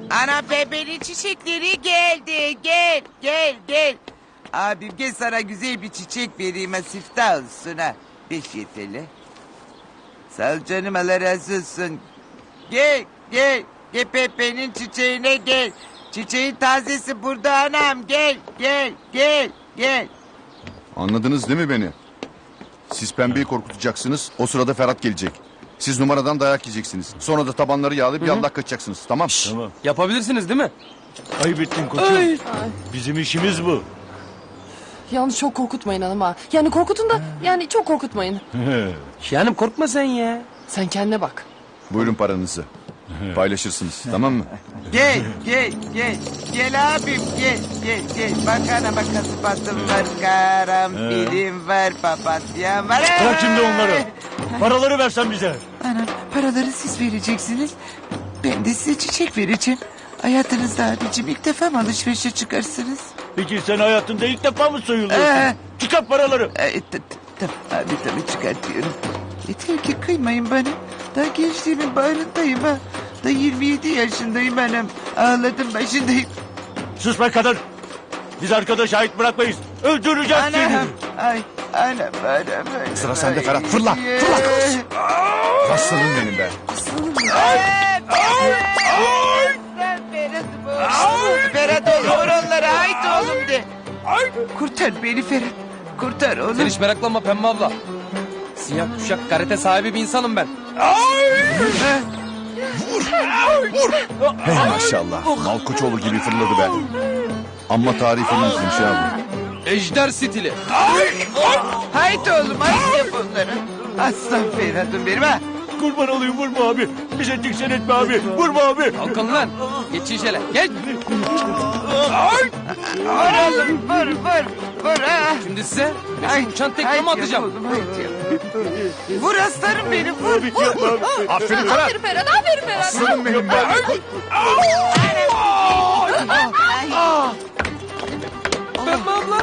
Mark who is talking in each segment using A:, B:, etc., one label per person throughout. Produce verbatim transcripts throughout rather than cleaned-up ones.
A: Ana bebeğin çiçekleri geldi. Gel gel gel. Abim gel sana güzel bir çiçek vereyim ha, siftah olsun ha. Beş yeterli. Sağ ol canım, Allah razı olsun. Gel gel. Gel Pepe'nin çiçeğine gel. Çiçeğin tazesi burada anam, gel gel gel gel.
B: Anladınız değil mi beni? Siz pembeyi korkutacaksınız. O sırada Ferhat gelecek. Siz numaradan dayak yiyeceksiniz. Sonra da tabanları yağlayıp yallah kaçacaksınız. Tamam?
C: Tamam.
D: Yapabilirsiniz değil mi?
C: Ayıp ettin koçum.
D: Ay.
C: Bizim işimiz bu.
E: Yalnız çok korkutmayın hanım ha. Yani korkutun da yani çok korkutmayın.
D: Şahanem korkma sen ya.
E: Sen kendine bak.
B: Buyurun paranızı. Paylaşırsınız. Tamam mı?
A: Gel gel gel. Gel abim gel gel gel. Bak ana bak, kasıpatım var, karanfilim var, papatyam var.
C: Bırak şimdi onları. Paraları versen bize.
A: Ana paraları siz vereceksiniz. Ben de size çiçek vereceğim. Hayatınızda abicim ilk defa mı alışverişe çıkarsınız?
C: Peki sen hayatında ilk defa mı soyuluyorsun?
A: Ee.
C: Çıkar paraları.
A: Ay, t- t- Tamam abi, tabii çıkartıyorum. Yeter ki kıymayın bana. Daha gençliğimin bağrındayım ha. Da yirmi yedi yaşındayım anam. Ağladım başındayım.
C: Sus be kadın. Biz arkadaş ait bırakmayız. Öldüreceğiz seni.
A: Anam. Ay anam anam. anam.
B: Sıra sende
A: Ay.
B: Ferhat. Fırla, fırla. Aslanım benim be.
A: Ay, Ferhat, Ferhat, Ferhat oğlum, vur onları, haydi oğlum de. Kurtar beni Ferhat. Kurtar oğlum.
D: Sen hiç meraklanma Pembe abla. Siyah kuşak karate sahibi bir insanım ben.
B: Hey maşallah. Malkoçoğlu gibi fırladı be. Amma tarifimizmiş ya bu.
D: Ejder stili.
A: Haydi oğlum, haydi yap onları. Aslan Ferhat'ım benim ha.
C: Kurban olayım, vurma abi. Bize diksen etme abi. Vurma abi.
D: Kalkın lan. Geçin şöyle. Geç.
A: Vur oğlum, vur vur vur ha.
D: Şimdi size
A: Ay,
D: meşhur uçan tekme
A: haydi
D: mi
A: yap
D: atacağım?
A: oğlum, haydi yap. Vur aslanım benim, vur.
C: Abi yapma abi.
B: Aferin Ferhat.
E: Aferin Ferhat, aferin Ferhat.
B: Aslanım benim be.
D: Pembe abla.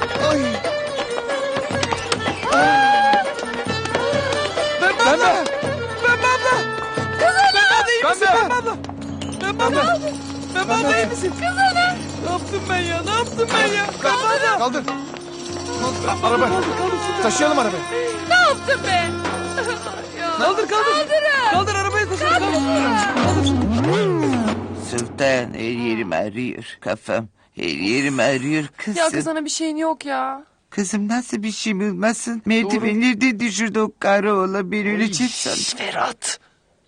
D: Pembe abla. Pembe abla. Pembe abla iyi misin Pembe abla? Pembe abla. Pembe abla iyi misin? Ne yaptım ben ya? Ne yaptım ben ya? Pembe abla.
B: Kaldır. Araba. Taşıyalım arabayı.
E: Ne yaptın be?
D: Kaldır kaldır. Kaldır arabayı koşun. Kaldır.
A: Sultan, her yerim ağrıyor kafam. Her yerim ağrıyor kızım.
E: Ya kız sana bir şeyin yok ya.
A: Kızım nasıl bir şey olmasın? Merdivenlerden düşürdü o karı oğlan, ben öleceğim sandım.
D: Ferhat.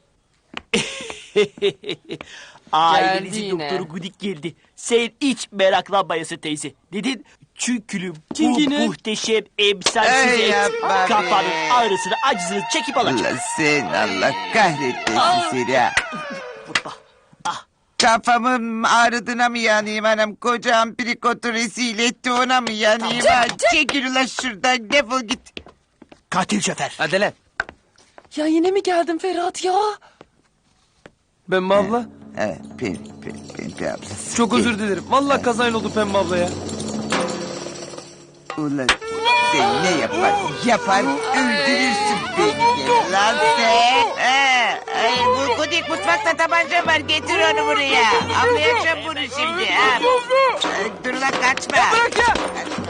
F: Ailenizin
E: yine.
F: doktoru Gudik geldi. Sen hiç meraklanmayasın teyze. Neden? Çünkü bu
D: Çünkü ne?
F: muhteşem emsalsiz
A: Ey
F: et
A: yapma be.
F: kafanın ağrısını acısını çekip alacak.
A: Allah sen, Allah kahretmesin seni ha.
F: Vurma. Ah,
A: Kafamın ağrıdığına mı yanayım anam? Koca amprikotu rezil etti, ona mı yanayım ha? Çekil ulan şuradan, defol git.
F: katil şoför.
D: Hadi lan.
E: Ya yine mi geldin Ferhat ya?
D: Pembe abla.
A: Ha, ben, ben, ben, ben ablası.
D: Çok özür dilerim. Vallahi kazayla oldu Pembe abla ya.
A: Ulan sen ne yapar? Yapar öldürürsün beni gel lan sen. Ha, ay, bu Gudik mutfakta tabanca var, getir onu buraya. Anlayacağım bunu şimdi ha. Ay, dur lan, kaçma.
D: Bırak ya.